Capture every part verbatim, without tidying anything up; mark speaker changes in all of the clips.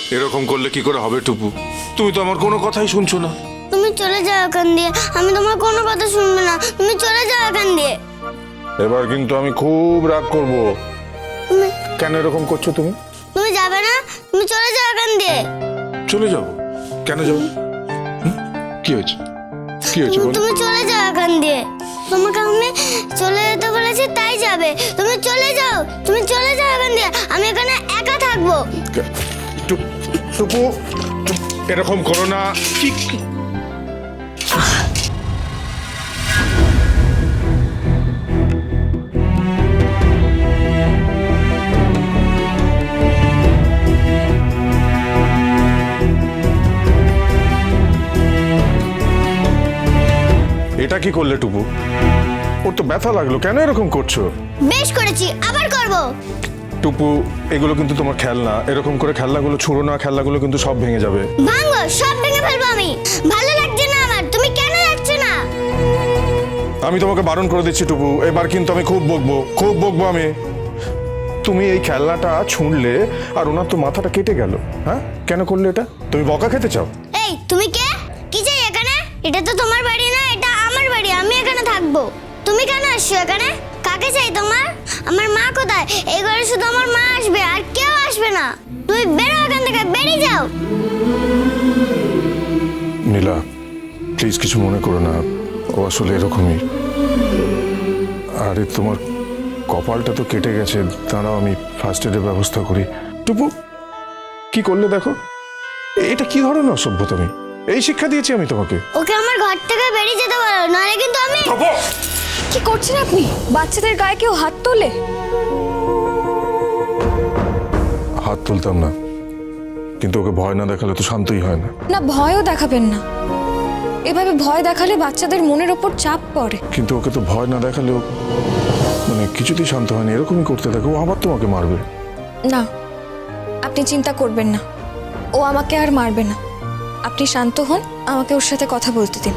Speaker 1: এরকম করলে কি করে হবে টুপু? তুমি তো আমার কোনো কথাই শুনছো না।
Speaker 2: তুমি চলে যাও এখান দিয়ে, আমি তোমার কোনো কথা শুনবো না। তুমি চলে যাও এখান দিয়ে।
Speaker 1: এবার কিন্তু আমি খুব রাগ করব।
Speaker 2: তুমি
Speaker 1: কেন এরকম করছো তুমি?
Speaker 2: তুমি যাবে না, তুমি চলে যাও এখান দিয়ে।
Speaker 1: চলে যাবো? কেন যাবো? হুম? কি হয়েছে? কি হয়েছে বলো?
Speaker 2: তুমি চলে যাও এখান দিয়ে। তোমাকে আমি চলে যেতে বলেছি, তাই যাবে। তুমি চলে যাও, তুমি চলে যাও এখান দিয়ে। আমি এখানে একা থাকবো।
Speaker 1: কে- টুপ- টুপু, টুপ, এরকম করো না। কি কি- এটা কি করলে টুপু? ওর তো ব্যথা লাগলো, কেন এরকম করছো?
Speaker 2: বেশ করেছি, আবার করব।
Speaker 1: টুপু, এগুলো কিন্তু তোমার খেলনা। এরকম করে খেলনাগুলো ছুঁড়ো না, খেলনাগুলো কিন্তু সব ভেঙে যাবে।
Speaker 2: ভাঙো, সব ভেঙে ফেলবো আমি। ভালো লাগছে না আমার, তুমি কেন যাচ্ছে না?
Speaker 1: আমি তোমাকে বারণ করে দিচ্ছি টুপু, এবার কিন্তু আমি খুব বকবো, খুব বকবো আমি। তুমি এই খেলনাটা ছুঁড়লে আর ওনার তো মাথাটা কেটে গেল। হ্যাঁ, কেন করলে এটা? তুমি বকা খেতে চাও?
Speaker 2: এই, তুমি কে? কি চাই এখানে? এটা তো তোমার বাড়ি না, এটা আমার বাড়ি। আমি এখানে থাকবো। তুমি কেন আসছো এখানে? কাকে চাই তোমার? আমার মা কোথায়? এই ঘরে শুধু আমার মা আসবে, আর কেউ আসবে না। তুমি বেরো এখান থেকে, বেরিয়ে যাও।
Speaker 1: নীলা, প্লিজ কিছু মনে করো না, ও আসলে এরকমই। আরে তোমার কপালটা তো কেটে গেছে, দাঁড়াও আমি ফার্স্ট এডের ব্যবস্থা করি। টুপু, কি করলে দেখো? এটা কি ধরনের অসভ্যতামি? এই শিক্ষা দিয়েছি আমি তোমাকে?
Speaker 2: ওকে আমার ঘর থেকে বেরিয়ে যেতে বলো, নাহলে কিন্তু আমি।
Speaker 3: কি করছেন আপনি? বাচ্চাদের গায়ে কেউ হাত তোলে?
Speaker 1: হাত তুলতাম না, কিন্তু ওকে ভয় না দেখালে তো শান্তই হয় না।
Speaker 3: না, ভয়ও দেখাবেন না। এভাবে ভয় দেখালে বাচ্চাদের মনের ওপর চাপ পড়ে।
Speaker 1: কিন্তু ওকে তো ভয় না দেখালেও মানে কিছুতেই শান্ত হয়নি, এরকমই করতে থাকো, ও আবার তোমাকে মারবে।
Speaker 3: না, আপনি চিন্তা করবেন না, ও আমাকে আর মারবে না। আপনি শান্ত হন, আমাকে ওর সাথে কথা বলতে দিন।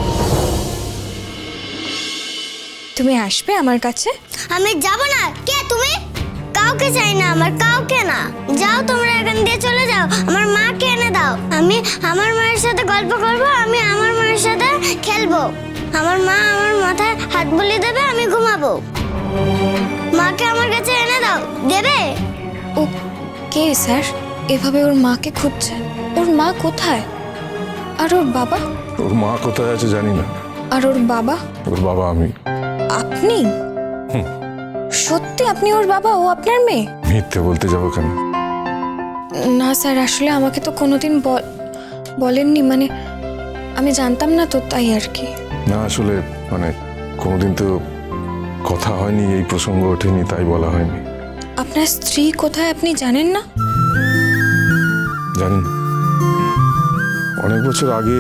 Speaker 3: তুমি আসবে আমার কাছে?
Speaker 2: আমি যাব না। কে তুমি? কাউকে চাই না আমার, কাউকে না। যাও তোমরা এখান দিয়ে, চলে যাও। আমার মাকে এনে দাও, আমি আমার মায়ের সাথে গল্প করব, আমি আমার মায়ের সাথে খেলবো। আমার মা আমার মাথায় হাত বুলিয়ে দেবে, আমি ঘুমাবো। মাকে আমার কাছে এনে দাও। দেবে?
Speaker 3: Okay sir? এভাবে ওর মাকে খুঁজছে? ওর মা কোথায়? আর ওর বাবা?
Speaker 1: ওর মা কোথায় আছে জানি না।
Speaker 3: আর ওর বাবা?
Speaker 1: ওর বাবা আমি।
Speaker 3: আপনি? সত্যি আপনি ওর বাবা? ও আপনার মেয়ে?
Speaker 1: মিথ্যে বলতে যাবো কেন?
Speaker 3: না স্যার, আসলে আমাকে তো কোনোদিন বল- বলেননি, মানে আমি জানতাম না তো, তাই আর কি।
Speaker 1: না আসলে মানে কোনোদিন তো কথা হয়নি, এই প্রসঙ্গ ওঠেনি, তাই বলা হয়নি।
Speaker 3: আপনার স্ত্রী কোথায় আপনি জানেন না?
Speaker 1: জানি না, অনেক বছর আগে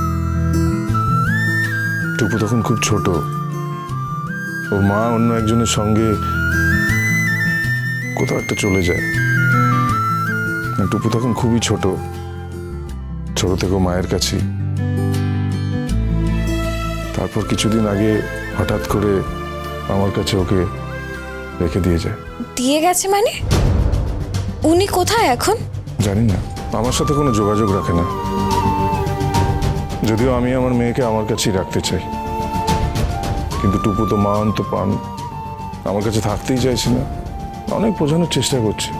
Speaker 1: টুপু তখন খুব ছোট, ওর মা অন্য একজনের সঙ্গে কোথাও একটা চলে যায়। টুপু তখন খুবই ছোট, ছোট থেকে মায়ের কাছে। তারপর কিছুদিন আগে হঠাৎ করে আমার কাছে ওকে রেখে দিয়ে যায়।
Speaker 3: দিয়ে গেছে মানে? উনি কোথায় এখন?
Speaker 1: জানি না, আমার সাথে কোনো যোগাযোগ রাখে না, যদিও আমি আমার মেয়েকে আমার কাছেই রাখতে চাই। কিন্তু টুপু তো মান তো পান, আমার কাছে থাকতেই চাইছে না। অনেক বোঝানোর চেষ্টা করছে,